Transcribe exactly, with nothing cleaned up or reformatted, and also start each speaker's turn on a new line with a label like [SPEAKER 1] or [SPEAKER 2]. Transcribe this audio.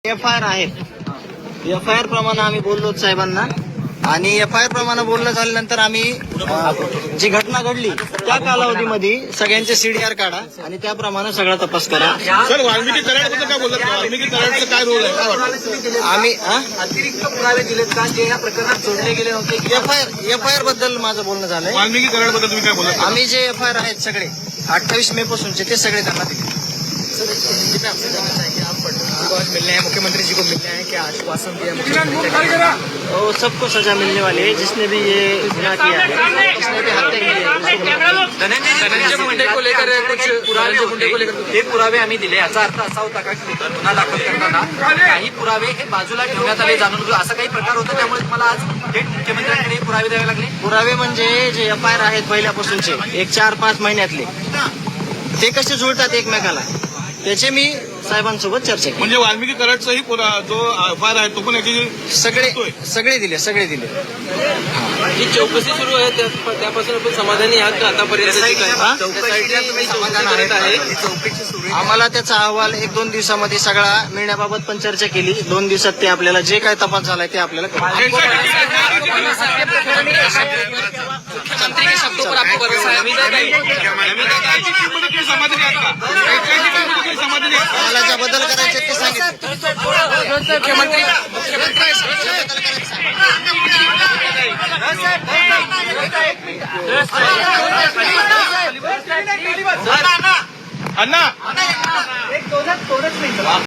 [SPEAKER 1] F I R आहेत. F I R प्रमाणे आम्ही बोललो साहेबांना आणि एफ आय आर प्रमाणे बोलणं झाल्यानंतर आम्ही अं, जी घटना घडली त्या कालावधीमध्ये सगळ्यांचे सीडीआर काढा आणि त्याप्रमाणे सगळा तपास करा.
[SPEAKER 2] सर वाल्मिकी कराडबद्दल काय बोलतात? वाल्मिकी कराडचं काय रोल आहे, काय वाटतं?
[SPEAKER 1] आम्ही
[SPEAKER 3] अतिरिक्त पुरावे दिलेत का जे या प्रकरणात जोडले गेले होते?
[SPEAKER 1] F I R F I R बद्दल माझं बोलणं झालंय.
[SPEAKER 2] वाल्मिकी कराडबद्दल तुम्ही काय बोलत?
[SPEAKER 1] आम्ही जे एफ आय आर आहेत सगळे अठ्ठावीस मे पासूनचे ते सगळे त्यांना दिले.
[SPEAKER 3] मिलने हैं मुख्यमंत्री जी को मिलने हैं, क्या आश्वासन दिया?
[SPEAKER 1] और सबको सजा मिलने वाली है जिसने भी ये गुनाह किया है, जिसने भी हत्या की है उसको
[SPEAKER 3] धनंजय मुंडे को लेकर कुछ पुरावे मुंडे को लेकर हे पुरावे आम्ही दिले. याचा अर्थ असा होता का की गुन्हा दाखल करताना काही पुरावे हे बाजूला ठेवण्यात आले जाणून असा काही प्रकार होता, त्यामुळे तुम्हाला आज थेट मुख्यमंत्र्यांकडे पुरावे द्यावे लागले?
[SPEAKER 1] पुरावे म्हणजे जे एफ आय आर आहेत पहिल्यापासूनचे एक चार पाच महिन्यातले ते कसे जुळतात एकमेकाला त्याचे मी साहेबांसोबत चर्चा केली.
[SPEAKER 2] म्हणजे वाल्मिकी कराडचाही पुरा- जो एफ आय आर आहे तो पण याची
[SPEAKER 1] सगळे सगळे दिले सगळे दिले.
[SPEAKER 3] जी चौकशी सुरू आहे त्या- त्यापासून आपण समाधानी आहात का आतापर्यंत?
[SPEAKER 1] हा?
[SPEAKER 3] तुम्ही समाधान करत आहे? चौकशी सुरू आहे.
[SPEAKER 1] आम्हाला त्याचा अहवाल एक दोन दिवसामध्ये सगळा मिळण्याबाबत पण चर्चा केली. दोन दिवसात ते आपल्याला जे काय तपास झालाय ते आपल्याला कळेल.
[SPEAKER 3] मुख्यमंत्री के शब्दों पर आपको भरोसा है?
[SPEAKER 2] समाधानी आहेत का? समाधानी आहेत का?
[SPEAKER 1] आम्हाला ज्या बदल करायचे ते सांगितले.
[SPEAKER 3] मुख्यमंत्री
[SPEAKER 2] अण्णा